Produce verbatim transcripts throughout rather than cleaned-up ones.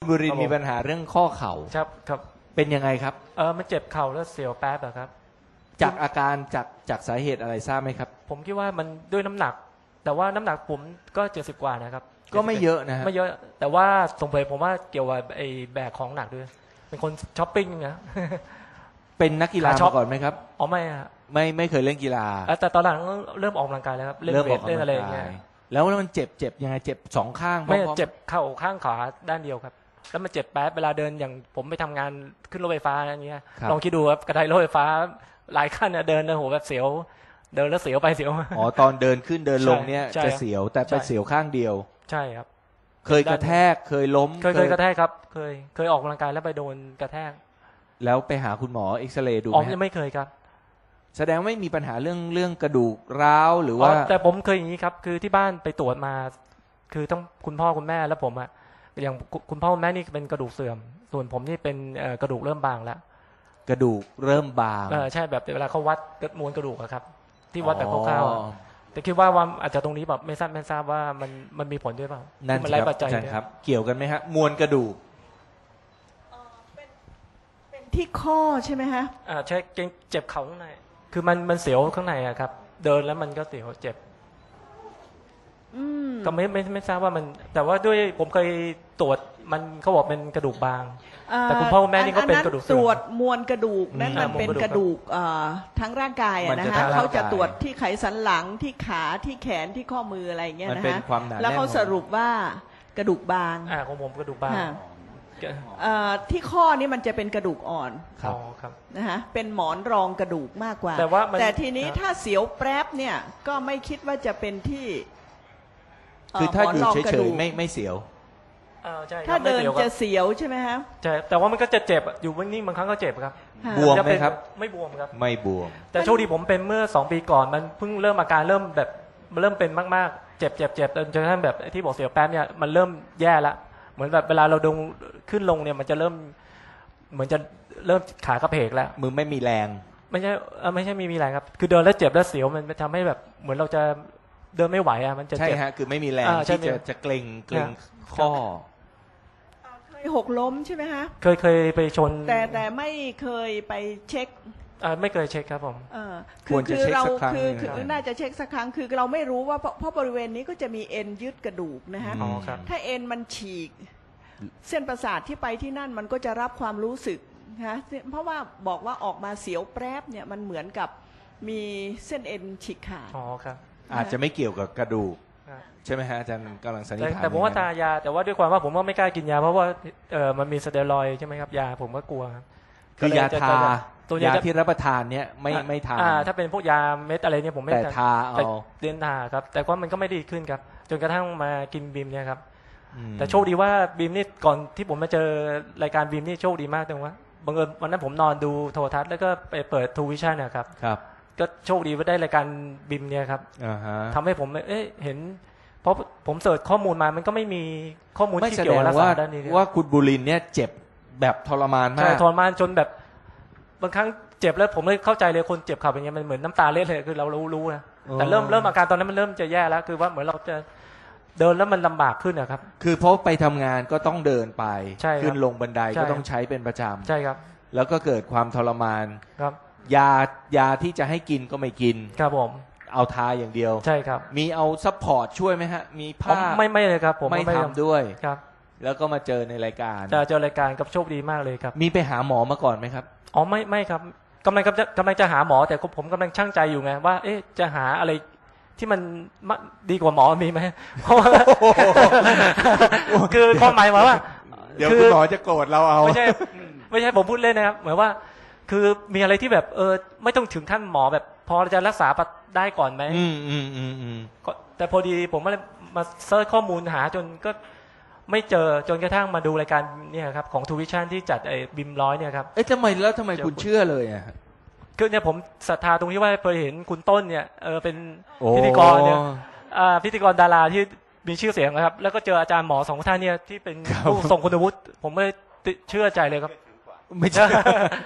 บุรินทร์มีปัญหาเรื่องข้อเข่าครับครับเป็นยังไงครับเออมันเจ็บเข่าแล้วเสียวแป๊บอะครับจากอาการจากจากสาเหตุอะไรทราบไหมครับผมคิดว่ามันด้วยน้ำหนักแต่ว่าน้ำหนักผมก็เจ็ดสิบกว่านะครับก็ไม่เยอะนะฮะไม่เยอะแต่ว่าสงสัยผมว่าเกี่ยวกับไอ้แบกของหนักด้วยเป็นคนช้อปปิ้งนะเป็นนักกีฬามาก่อนไหมครับอ๋อไม่อะไม่ไม่เคยเล่นกีฬาแต่ตอนหลังเริ่มออกกำลังกายแล้วครับเล่นเวทเล่นอะไรอย่างเงี้ยแล้วมันเจ็บเจ็บยังไงเจ็บสองข้างไม่เจ็บเข่าข้างขวาด้านเดียวครับแล้วมันเจ็บแป๊บเวลาเดินอย่างผมไปทำงานขึ้นรถไฟฟ้าอย่างเงี้ยลองคิดดูครับกระไดรถไฟฟ้าหลายขั้นเดินโอ้โหแบบเสียวเดินแล้วเสียวไปเสียวมาอ๋อตอนเดินขึ้นเดินลงเนี่ยจะเสียวแต่ไปเสียวข้างเดียวใช่ครับเคยกระแทกเคยล้มเคยเคยกระแทกครับเคยเคยออกกำลังกายแล้วไปโดนกระแทกแล้วไปหาคุณหมอเอ็กซเรย์ดูไหมอ๋อยังไม่เคยครับแสดงไม่มีปัญหาเรื่องเรื่องกระดูกร้าวหรือว่าแต่ผมเคยอย่างนี้ครับคือที่บ้านไปตรวจมาคือต้องคุณพ่อคุณแม่แล้วผมอะอย่างคุณพ่อคุณแม่นี่เป็นกระดูกเสื่อมส่วนผมนี่เป็นกระดูกเริ่มบางแล้วกระดูกเริ่มบางเออใช่แบบเวลาเขาวัดมวลกระดูกอะครับที่วัดแบบคร่าวๆแต่คิดว่าว่าอาจจะตรงนี้แบบไม่ทราบไม่ทราบว่ามันมันมีผลด้วยเปล่านั่นสิครับอาจารย์ครับเกี่ยวกันไหมฮะมวลกระดูกเป็นที่ข้อใช่ไหมฮะอ่าใช่เจ็บเข่าข้างในคือมันมันเสียวข้างในอะครับเดินแล้วมันก็เสียวเจ็บก็ไม่ไม่ไม่ทราบว่ามันแต่ว่าด้วยผมเคยตรวจมันเขาบอกเป็นกระดูกบางแต่คุณพ่อคุณแม่นี่ก็เป็นกระดูกตรวจมวลกระดูกนั่นมันเป็นกระดูกทั้งร่างกายอะนะคะเขาจะตรวจที่ไขสันหลังที่ขาที่แขนที่ข้อมืออะไรอย่างเงี้ยนะคะแล้วเขาสรุปว่ากระดูกบางอ่าของผมกระดูกบางที่ข้อนี้มันจะเป็นกระดูกอ่อนครับนะคะเป็นหมอนรองกระดูกมากกว่าแต่ว่าแต่ทีนี้ถ้าเสียวแป๊บเนี่ยก็ไม่คิดว่าจะเป็นที่คือถ้าอยู่เฉยๆไม่ไม่เสียวถ้าเดินจะเสียวใช่ไหมครับใช่แต่ว่ามันก็จะเจ็บอยู่นิ่งๆบางครั้งก็เจ็บครับบวมไหมครับไม่บวมครับไม่บวมแต่โชคดีผมเป็นเมื่อสองปีก่อนมันเพิ่งเริ่มอาการเริ่มแบบเริ่มเป็นมากๆเจ็บเจ็บเจ็บจนกระทั่งแบบที่บอกเสียวแป๊บเนี่ยมันเริ่มแย่ละเหมือนแบบเวลาเราดงขึ้นลงเนี่ยมันจะเริ่มเหมือนจะเริ่มขากระเพกแล้วมือไม่มีแรงไม่ใช่ไม่ใช่มีมีแรงครับคือเดินแล้วเจ็บแล้วเสียวมันทำให้แบบเหมือนเราจะเดินไม่ไหวอ่ะมันจะใช่ฮะคือไม่มีแรงที่จะจะเกร็งเกร็งข้อเคยหกล้มใช่ไหมฮะเคยเคยไปชนแต่แต่ไม่เคยไปเช็คไม่เคยเช็คครับผมคือคือเราคือคือน่าจะเช็คสักครั้งคือเราไม่รู้ว่าเพราะบริเวณนี้ก็จะมีเอ็นยึดกระดูกนะฮะถ้าเอ็นมันฉีกเส้นประสาทที่ไปที่นั่นมันก็จะรับความรู้สึกนะเพราะว่าบอกว่าออกมาเสียวแป๊บเนี่ยมันเหมือนกับมีเส้นเอ็นฉีกขาดอ๋อครับอาจจะไม่เกี่ยวกับกระดูกใช่ไหมฮะอาจารย์กำลังสันนิษฐานแต่ผมว่าตายาแต่ว่าด้วยความว่าผมว่าไม่กล้ากินยาเพราะว่าเออมันมีสเตียรอยด์ใช่ไหมครับยาผมก็กลัวครับคือยาทายาที่รับประทานเนี่ยไม่ไม่ทานถ้าเป็นพวกยาเม็ดอะไรเนี่ยผมไม่แต่ทาเอาเดินทาครับแต่ว่ามันก็ไม่ดีขึ้นครับจนกระทั่งมากินบีมเนี่ยครับแต่โชคดีว่าบีมนี่ก่อนที่ผมมาเจอรายการบีมนี่โชคดีมากตรงว่าบังเอิญวันนั้นผมนอนดูโทรทัศน์แล้วก็ไปเปิดทูวิชั่นนะครับครับก็โชคดีว่าได้รายการบิมเนี่ยครับทำให้ผมเอ๊ะเห็นเพราะผมเสิร์ชข้อมูลมามันก็ไม่มีข้อมูลที่เกี่ยวกับรักษาด้านนี้ว่าคุณบุรินทร์เนี่ยเจ็บแบบทรมานมากใช่ทรมานจนแบบบางครั้งเจ็บแล้วผมเลยเข้าใจเลยคนเจ็บเข่าเป็นยังไงมันเหมือนน้ำตาเล็ดเลยคือเรารู้รู้นะแต่เริ่มเริ่มอาการตอนนั้นมันเริ่มจะแย่แล้วคือว่าเหมือนเราจะเดินแล้วมันลำบากขึ้นนะครับคือเพราะไปทำงานก็ต้องเดินไปขึ้นลงบันไดก็ต้องใช้เป็นประจำใช่ครับแล้วก็เกิดความทรมานครับยายาที่จะให้กินก็ไม่กินครับผมเอาทาอย่างเดียวใช่ครับมีเอาซัพพอร์ตช่วยไหมฮะมีผ้าไม่ไม่เลยครับผมไม่ทำด้วยครับแล้วก็มาเจอในรายการจะเจอรายการกับโชคดีมากเลยครับมีไปหาหมอมาก่อนไหมครับอ๋อไม่ไม่ครับกำลังจะกำลังจะหาหมอแต่ผมกำลังชั่งใจอยู่ไงว่าเอ๊ะจะหาอะไรที่มันดีกว่าหมอมีไหมเพราะว่าคือความหมายว่าเดี๋ยวคุณหมอจะโกรธเราเอาไม่ใช่ไม่ใช่ผมพูดเล่นนะครับหมายว่าคือมีอะไรที่แบบเออไม่ต้องถึงขั้นหมอแบบพอจะรักษาได้ก่อนไหมอืมอืมอืมอืมแต่พอดีผมมามาเซิร์ชข้อมูลหาจนก็ไม่เจอจนกระทั่งมาดูรายการเนี่ยครับของทูวิชั่นที่จัดไอ้บิมร้อยเนี่ยครับเอ๊ะทำไมแล้วทำไมคุณเชื่อเลยอ่ะคือเนี่ยผมศรัทธาตรงที่ว่าเคยเห็นคุณต้นเนี่ยเออเป็นพิธีกรเนี่ยพิธีกรดาราที่มีชื่อเสียงนะครับแล้วก็เจออาจารย์หมอสองท่านเนี่ยที่เป็นผู้ทรงคุณวุฒิผมเลยเชื่อใจเลยครับไม่ใช่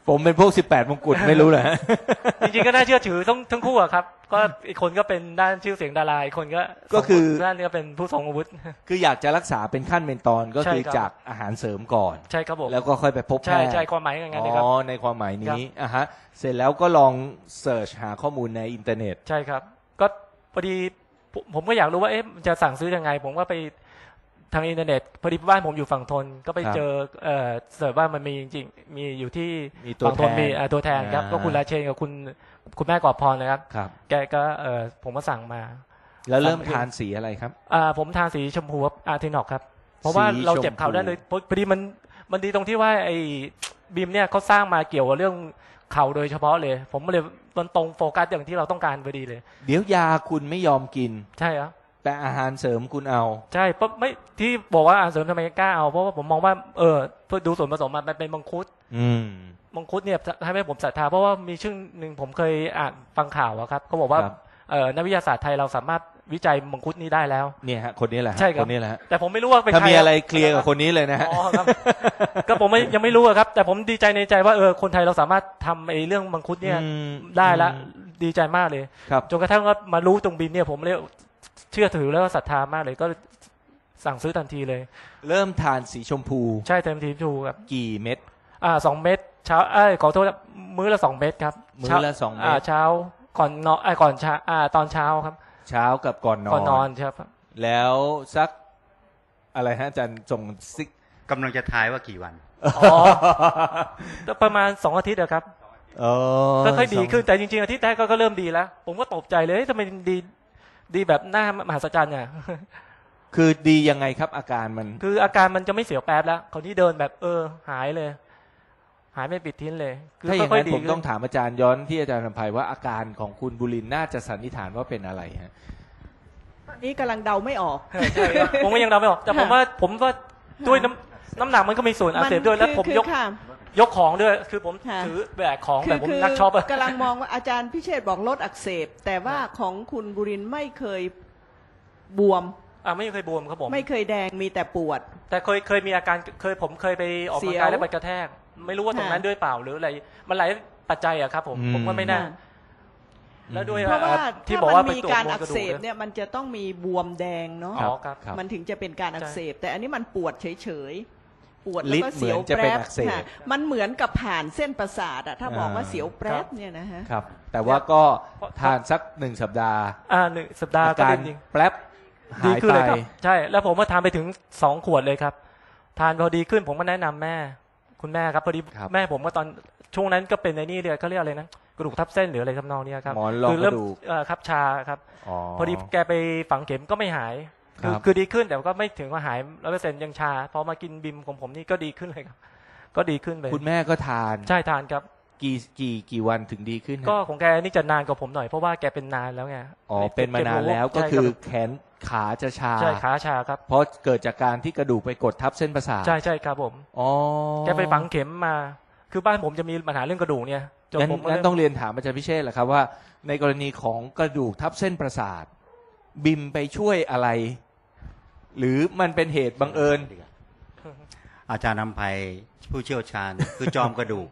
ผมเป็นพวกสิบแปดมงกุฎไม่รู้เลยจริงๆก็น่าเชื่อถือทั้งทั้งคู่อะครับก็อีกคนก็เป็นด้านชื่อเสียงดาราอีกคนก็ก็คือด้านนี้ก็เป็นผู้ทรงอาวุธคืออยากจะรักษาเป็นขั้นเป็นตอนก็คือจากอาหารเสริมก่อนใช่ครับผมแล้วก็ค่อยไปพบแพทย์ใช่ใช่ความหมายอย่างนั้นครับอ๋อในความหมายนี้อ่ะฮะเสร็จแล้วก็ลองเสิร์ชหาข้อมูลในอินเทอร์เน็ตใช่ครับก็พอดีผมก็อยากรู้ว่าเอ๊ะจะสั่งซื้อยังไงผมก็ไปทางอินเทอร์เน็ตพอดีบ้านผมอยู่ฝั่งทนก็ไปเจอเอ่อเสิร์ชว่ามันมีจริงๆมีอยู่ที่ฝั่งทนมีตัวแทนครับก็คุณราเชนกับคุณคุณแม่กอบพรนะครับแกก็เอ่อผมก็สั่งมาแล้วเริ่มทานสีอะไรครับอ่าผมทานสีชมพูอาร์ทินอกครับเพราะว่าเราเจ็บเข่าได้เลยพอดีมันมันดีตรงที่ว่าไอ้บีมเนี่ยเขาสร้างมาเกี่ยวกับเรื่องเข่าโดยเฉพาะเลยผมเลยมันตรงโฟกัสอย่างที่เราต้องการพอดีเลยเดี๋ยวยาคุณไม่ยอมกินใช่ครับแต่อาหารเสริมคุณเอาใช่เพราะไม่ที่บอกว่าอาหารเสริมทำไมกล้าเอาเพราะว่าผมมองว่าเออเพื่อดูส่วนผสมมันเป็นมังคุดอืมมังคุดเนี่ยให้ผมศรัทธาเพราะว่ามีช่วงหนึ่งผมเคยอ่านฟังข่าวครับเขาบอกว่าเออนักวิทยาศาสตร์ไทยเราสามารถวิจัยมังคุดนี้ได้แล้วเนี่ยฮะคนนี้แหละใช่ครับคนนี้แหละแต่ผมไม่รู้ว่าเป็นใครถ้ามีอะไรเคลียร์กับคนนี้เลยนะฮะอ๋อครับก็ผมยังไม่รู้ครับแต่ผมดีใจในใจว่าเออคนไทยเราสามารถทำไอ้เรื่องมังคุดเนี่ยได้ละดีใจมากเลยจนกระทั่งว่ามารู้ตรงบินเนี่ยผมเลยเชื่อถือแล้วก็ศรัทธามากเลยก็สั่งซื้อทันทีเลยเริ่มทานสีชมพูใช่เต็มทีชมพูครับกี่เม็ดอ่าสองเม็ดเช้าเอ้ยขอโทษมื้อละสองเม็ดครับมื้อละสองเม็ดอ่าเช้าก่อนนอนไอ้ก่อนเช้าอ่าตอนเช้าครับเช้ากับก่อนนอนก่อนนอนครับแล้วสักอะไรฮะอาจารย์ส่งซิกกำลังจะทายว่ากี่วันอ๋อประมาณสองอาทิตย์ครับก็ค่อยดีขึ้นแต่จริงๆอาทิตย์แรกก็เริ่มดีแล้วผมก็ตกใจเลยทำไมดีดีแบบหน้ามหัศจรรย์เนี่ยคือดียังไงครับอาการมันคืออาการมันจะไม่เสียวแป๊บแล้วคนที่เดินแบบเออหายเลยหายไม่ปิดทิ้งเลยถ้าอย่างนั้นผมต้องถามอาจารย์ย้อนที่อาจารย์นภัยว่าอาการของคุณบุรินทร์น่าจะสันนิษฐานว่าเป็นอะไรฮะตอนนี้กำลังเดาไม่ออกใช่ผมก็ยังเดาไม่ออกแต่ผมว่าผมว่าด้วยน้ำน้ำหนักมันก็มีส่วนอักเสบด้วยแล้วผมยกยกของด้วยคือผมถือแบกของแบบผมนักช็อปกำลังมองว่าอาจารย์พิเชษบอกลดอักเสบแต่ว่าของคุณบุรินทร์ไม่เคยบวมอ่าไม่เคยบวมครับผมไม่เคยแดงมีแต่ปวดแต่เคยเคยมีอาการเคยผมเคยไปออกกำลังกายแล้วไปกระแทกไม่รู้ว่าตรงนั้นด้วยเปล่าหรืออะไรมันหลายปัจจัยอะครับผมผมว่าไม่น่าแล้วด้วยเพราะว่าที่บอกว่ามีการอักเสบเนี่ยมันจะต้องมีบวมแดงเนาะมันถึงจะเป็นการอักเสบแต่อันนี้มันปวดเฉยๆปวดแล้วก็เสียวแปรบมันเหมือนกับผ่านเส้นประสาทอะถ้าบอกว่าเสียวแปรบเนี่ยนะฮะครับแต่ว่าก็ทานสักหนึ่งสัปดาห์อ่าหนึ่งสัปดาห์การแปรบหายไปใช่แล้วผมก็ทานไปถึงสองขวดเลยครับทานพอดีขึ้นผมก็แนะนำแม่คุณแม่ครับพอดีแม่ผมก็ตอนช่วงนั้นก็เป็นในนี่เดียวเขาเรียกอะไรนะกระดูกทับเส้นหรืออะไรทำนองนี้ครับคือเริ่มครับชาครับพอดีแกไปฝังเข็มก็ไม่หายคือคือดีขึ้นแต่ก็ไม่ถึงว่าหายร้อยเปอร์เซ็นต์ยังชาพอมากินบิมของผมนี่ก็ดีขึ้นเลยครับก็ดีขึ้นไปคุณแม่ก็ทานใช่ทานครับกี่กี่กี่วันถึงดีขึ้นก็ของแกนี่จะนานกว่าผมหน่อยเพราะว่าแกเป็นนานแล้วไงอ๋อเป็นมานานแล้วก็คือแขนขาจะชาใช่ขาชาครับเพราะเกิดจากการที่กระดูกไปกดทับเส้นประสาทใช่ใช่ครับผมอ๋อแกไปฝังเข็มมาคือบ้านผมจะมีปัญหาเรื่องกระดูกเนี่ยจนผมงั้นต้องเรียนถามอาจารย์พิเชษฐ์แหละครับว่าในกรณีของกระดูกทับเส้นประสาทบิมไปช่วยอะไรหรือมันเป็นเหตุบังเอิญอาจารย์นำภัยผู้เชี่ยวชาญคือจอมกระดูก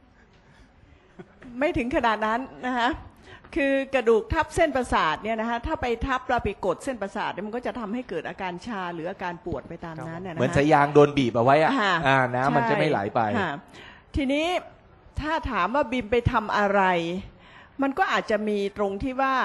ไม่ถึงขนาดนั้นนะคะคือกระดูกทับเส้นประสาทเนี่ยนะคะถ้าไปทับเราไปกดเส้นประสาทมันก็จะทำให้เกิดอาการชาหรืออาการปวดไปตามนั้นนะเหมือนสายยางโดนบีบเอาไว้อะน้ำมันจะไม่ไหลไปทีนี้ถ้าถามว่าบิมไปทำอะไรมันก็อาจจะมีตรงที่ว่า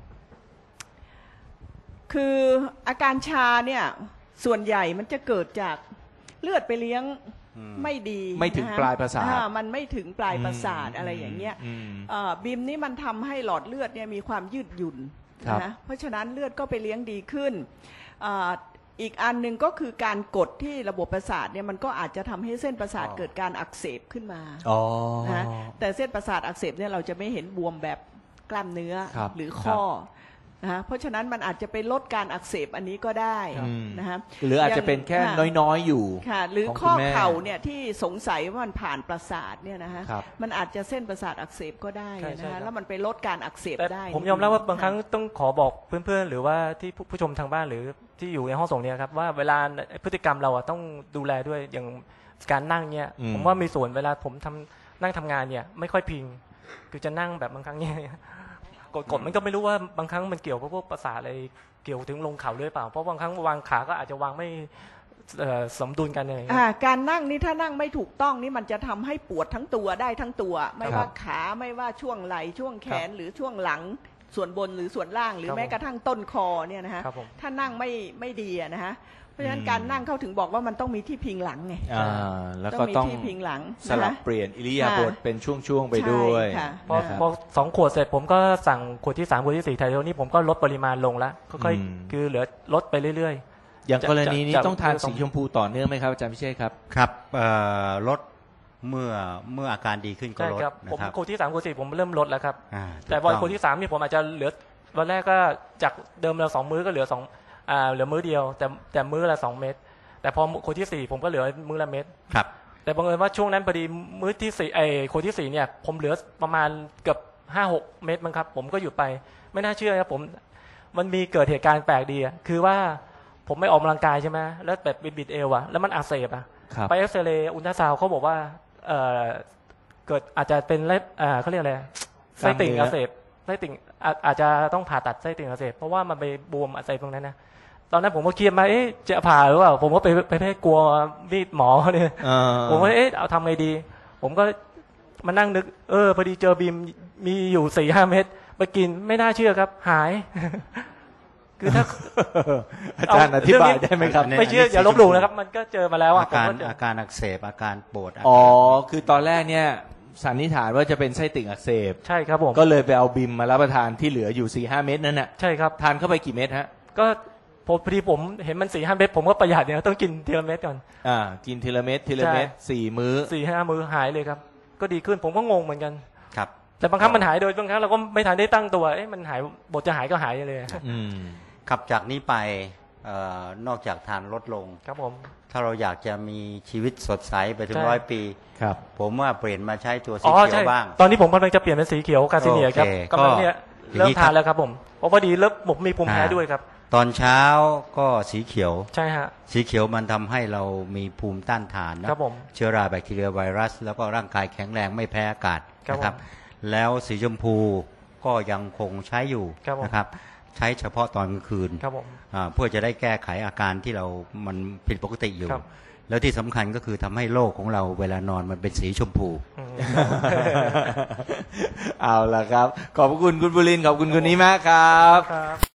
คืออาการชาเนี่ยส่วนใหญ่มันจะเกิดจากเลือดไปเลี้ยงไม่ดีไม่ถึงปลายประสาทมันไม่ถึงปลายประสาทอะไรอย่างเงี้ยบิมนี่มันทำให้หลอดเลือดเนี่ยมีความยืดหยุ่นนะเพราะฉะนั้นเลือดก็ไปเลี้ยงดีขึ้นอีกอันหนึ่งก็คือการกดที่ระบบประสาทเนี่ยมันก็อาจจะทำให้เส้นประสาทเกิดการอักเสบขึ้นมานะแต่เส้นประสาทอักเสบเนี่ยเราจะไม่เห็นบวมแบบกล้ามเนื้อหรือข้อนะเพราะฉะนั้นมันอาจจะไปลดการอักเสบอันนี้ก็ได้นะฮะหรืออาจจะเป็นแค่น้อยๆอยู่ค่ะหรือข้อเข่าเนี่ยที่สงสัยว่ามันผ่านประสาทเนี่ยนะฮะมันอาจจะเส้นประสาทอักเสบก็ได้นะฮะแล้วมันไปลดการอักเสบได้ผมยอมรับว่าบางครั้งต้องขอบอกเพื่อนๆหรือว่าที่ผู้ชมทางบ้านหรือที่อยู่ในห้องส่งเนี่ยครับว่าเวลาพฤติกรรมเราต้องดูแลด้วยอย่างการนั่งเนี่ยผมว่ามีส่วนเวลาผมทำนั่งทำงานเนี่ยไม่ค่อยพิงคือจะนั่งแบบบางครั้งเนี่ยกดกดมันก็ไม่รู้ว่าบางครั้งมันเกี่ยวกับพวกประสาทอะไรเกี่ยวถึงลงเข่าด้วยเปล่าเพราะบางครั้งวางขาก็อาจจะวางไม่สมดุลกันเลยการนั่งนี่ถ้านั่งไม่ถูกต้องนี่มันจะทำให้ปวดทั้งตัวได้ทั้งตัวไม่ว่าขาไม่ว่าช่วงไหล่ช่วงแขนหรือช่วงหลังส่วนบนหรือส่วนล่างหรือแม้กระทั่งต้นคอเนี่ยนะฮะถ้านั่งไม่ไม่ดีนะฮะเพราะฉะนั้นการนั่งเข้าถึงบอกว่ามันต้องมีที่พิงหลังไงแล้วก็ต้องที่พิงหลังสลับเปลี่ยนอิริยาบถเป็นช่วงๆไปด้วยพอพอสองขวดเสร็จผมก็สั่งขวดที่สามขวดที่สี่ไทโรนี่ผมก็ลดปริมาณลงแล้วค่อยๆคือเหลือลดไปเรื่อยๆอย่างกรณีนี้ต้องทานสีชมพูต่อเนื่องไหมครับอาจารย์พิเชษครับครับลดเมื่อเมื่ออาการดีขึ้นก็ลดนะครับผมขวดที่สามขวดที่สี่ผมเริ่มลดแล้วครับแต่วันขวดที่สามนี่ผมอาจจะเหลือวันแรกก็จากเดิมเราสองมื้อก็เหลือสองอ่าเหลือมื้อเดียวแต่แต่มื้อละสองเม็ดแต่พอขวดที่สี่ผมก็เหลือมื้อละเม็ดครับแต่บังเอิญว่าช่วงนั้นพอดีมื้อที่สี่ไอ้ขวดที่สี่เนี่ยผมเหลือประมาณเกือบห้าหกเม็ดมั้งครับผมก็หยุดไปไม่น่าเชื่อครับผมมันมีเกิดเหตุการณ์แปลกดีอ่ะคือว่าผมไม่ออกกำลังกายใช่ไหมแล้วแบบบิดเอวอ่ะแล้วมันอักเสบอ่ะไปเอ็กซเรย์อุลตราซาวด์เขาบอกว่าเอ่อเกิดอาจจะเป็นเล็บอ่าเขาเรียกอะไรไส้ติ่งอักเสบไส้ติ่งอาจจะต้องผ่าตัดไส้ติ่งอักเสบเพราะว่ามันไปบวมอักเสบตรงนั้นนะตอนนั้นผมก็เครียดมาเอ๊ะจะผ่าหรือเปล่าผมก็ไปไปให้กลัวมีดหมอเนี่ยผมก็เอ๊ะเอาทำไงดีผมก็มานั่งนึกเออพอดีเจอบีมมีอยู่สี่ห้าเม็ดไปกินไม่น่าเชื่อครับหายคือถ้าอาจารย์อธิบายได้ไหมครับไม่เชื่ออย่าลบหลู่นะครับมันก็เจอมาแล้วอาการอาการอักเสบอาการปวดอ๋อคือตอนแรกเนี่ยสันนิษฐานว่าจะเป็นไส้ติ่งอักเสบใช่ครับผมก็เลยไปเอาบิมมารับประทานที่เหลืออยู่สี่ห้าเม็ดนั่นน่ะใช่ครับทานเข้าไปกี่เม็ดฮะก็พอดีผมเห็นมันสี่ห้าเม็ดผมก็ประหยัดเนี่ยต้องกินทีละเม็ดก่อนอ่ากินทีละเม็ดทีละเม็ดสี่มื้อสี่ห้ามื้อหายเลยครับก็ดีขึ้นผมก็งงเหมือนกันครับแต่บางครั้งมันหายโดยบางครั้งเราก็ไม่ทันได้ตั้งตัวเอ๊ะมันหายบทจะหายก็หายเลยอืมขับจากนี้ไปนอกจากทานลดลงครับผมถ้าเราอยากจะมีชีวิตสดใสไปถึงร้อยปีครับผมว่าเปลี่ยนมาใช้ตัวสีเขียวบ้างตอนนี้ผมกำลังจะเปลี่ยนเป็นสีเขียวกาซิเนียครับกำลังเนี่ยเริ่มทานแล้วครับผมเพราะพอดีเริ่มผมมีภูมิแพ้ด้วยครับตอนเช้าก็สีเขียวใช่ฮะสีเขียวมันทำให้เรามีภูมิต้านทานนะครับผมเชื้อราแบคทีเรียไวรัสแล้วก็ร่างกายแข็งแรงไม่แพ้อากาศนะครับแล้วสีชมพูก็ยังคงใช้อยู่นะครับใช้เฉพาะตอนกลางคืนเพื่อจะได้แก้ไขอาการที่เรามันผิดปกติอยู่แล้วที่สำคัญก็คือทำให้โลกของเราเวลานอนมันเป็นสีชมพูเอาล่ะครับขอบคุณคุณบุรินทร์ขอบคุณคุณนี้มากครับ